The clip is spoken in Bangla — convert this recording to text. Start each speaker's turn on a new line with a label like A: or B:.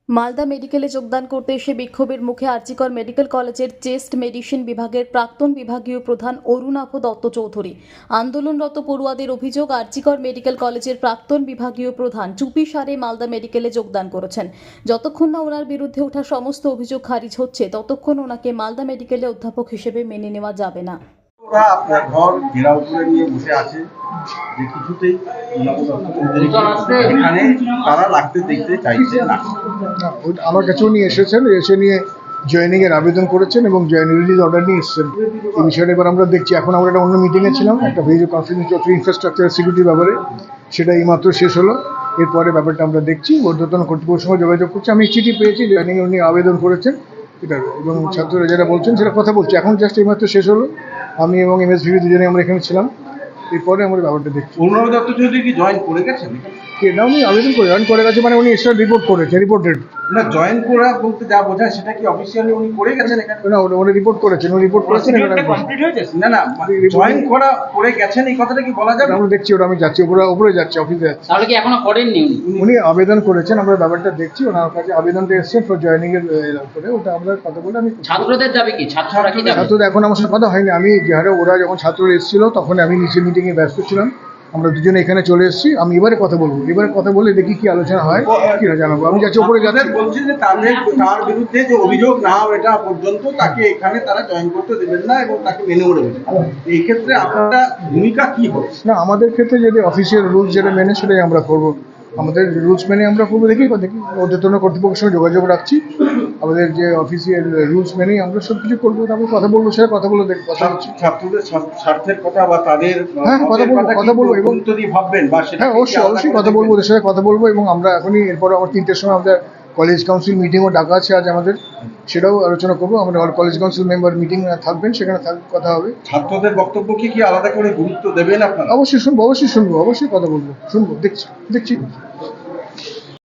A: মালদা মেডিকেলে যোগদান করতে এসে বিক্ষোভের মুখে আরজিকর মেডিকেল কলেজের চেস্ট মেডিসিন বিভাগের প্রাক্তন বিভাগীয় প্রধান অরুণাভ দত্ত চৌধুরী। আন্দোলনরত পড়ুয়াদের অভিযোগ, আরজিকর মেডিকেল কলেজের প্রাক্তন বিভাগীয় প্রধান চুপি সারে মালদা মেডিকেলে যোগদান করেছেন। যতক্ষণ না ওনার বিরুদ্ধে ওঠা সমস্ত অভিযোগ খারিজ হচ্ছে ততক্ষণ ওনাকে মালদা মেডিকেলে অধ্যাপক হিসেবে মেনে নেওয়া যাবে না।
B: ওরা আপনার ঘর ঘেরাও করে নিয়ে বসে আছে যে কিছুতেই এখানে তারা রাখতে দেখতে চাইছে না।
C: আমার কাছে উনি এসেছেন, এসে নিয়ে জয়েনিং এর আবেদন করেছেন এবং জয়েন রিলিজ অর্ডার নিয়ে এসেছেন। এই বিষয়টা এবার আমরা দেখছি। এখন আমরা একটা অন্য মিটিংয়ে ছিলাম, একটা ভিডিও কনফারেন্স চলছে ইনফ্রাস্ট্রাকচার সিকিউরিটির ব্যাপারে, সেটা এইমাত্র শেষ হলো। এরপরে ব্যাপারটা আমরা দেখছি, ঊর্ধ্বতন কর্তৃপক্ষের সঙ্গে যোগাযোগ করছি। আমি চিঠি পেয়েছি, জয়েনিং উনি আবেদন করেছেন এটার, এবং ছাত্ররা যারা বলছেন সেটা কথা বলছি। এখন জাস্ট এইমাত্র শেষ হলো, আমি এবং এমএসভিবি দুজনে আমরা এখানে ছিলাম। এরপরে আমরা ব্যাপারটা দেখছি।
B: অরুণাভ দত্ত চৌধুরী কি জয়েন করে গেছেন?
C: না, উনি আবেদন করে জয়েন করে গেছে, মানে উনি এক্সট্রা রিপোর্ট করেছে, রিপোর্টেড
B: না, জয়েন করা বলতে যা বোঝায় সেটা কি অফিসিয়ালি উনি করে গেছেন এখানে?
C: না, উনি রিপোর্ট করেছেন, উনি রিপোর্ট করেছেন।
B: না না, জয়েন করা করে গেছেন এই কথাটা কি বলা যাবে?
C: আমরা দেখছি, ওটা আমি যাচ্ছি, উপরে যাচ্ছি, অফিসে যাচ্ছি।
D: তাহলে কি এখনো করেননি
C: উনি আবেদন করেছেন, আমরা ব্যাপারটা দেখছি। ওনার কাছে আবেদনটা এসেছে ফর জয়েনিং এর করে, ওটা আমরা কথা বলে আমি
D: ছাত্রদের যাবে কি? ছাত্ররা কি যাবে?
C: ছাত্রদের এখন আমার সাথে কথা হয়নি। আমি যে হারে ওরা যখন ছাত্ররা এসেছিল তখন আমি নিচে মিটিংয়ে ব্যস্ত ছিলাম। আমরা দুজনে এখানে চলে এসেছি। আমি এবারে কথা বলবো, এবারে কথা বলে দেখি কি আলোচনা হয়, কি না জানাবো। আমি যাচ্ছি, উপরে যাচ্ছি।
B: বলছি যে তার বিরুদ্ধে যে অভিযোগ না ওঠা পর্যন্ত তাকে এখানে তারা জয়েন করতে দেবেন না এবং তাকে মেনে নেবেন। এই ক্ষেত্রে আপনার ভূমিকা কি হবে?
C: না, আমাদের ক্ষেত্রে যদি অফিসিয়াল রুলস যেটা মেনে সেটাই আমরা করবো। আমাদের রুলস মেনে আমরা করবো। দেখি ঊর্ধ্বতন কর্তৃপক্ষের সঙ্গে যোগাযোগ রাখছি। আমাদের যে অফিসিয়াল রুলস মেনেই আমরা সব কিছু করবো। তারপর কথা বলবো, সেটা কথা বলে দেখবো।
B: ছাত্রদের স্বার্থের কথা বা তাদের
C: হ্যাঁ কথা বলবো এবং
B: ভাববেন বা সেটা
C: হ্যাঁ অবশ্যই কথা বলবো, ওদের সাথে কথা বলবো। এবং আমরা এখনই এরপর আমার 3টের সময় আমাদের কলেজ কাউন্সিল মিটিংও ডাকা আছে আজ আমাদের, সেটাও আলোচনা করবো। আমরা কলেজ কাউন্সিল মেম্বার মিটিং থাকবেন, সেখানে কথা হবে।
B: ছাত্রদের বক্তব্য কি আলাদা করে গুরুত্ব দেবেন আপনারা?
C: অবশ্যই শুনবো, অবশ্যই কথা বলবো, শুনবো, দেখছি।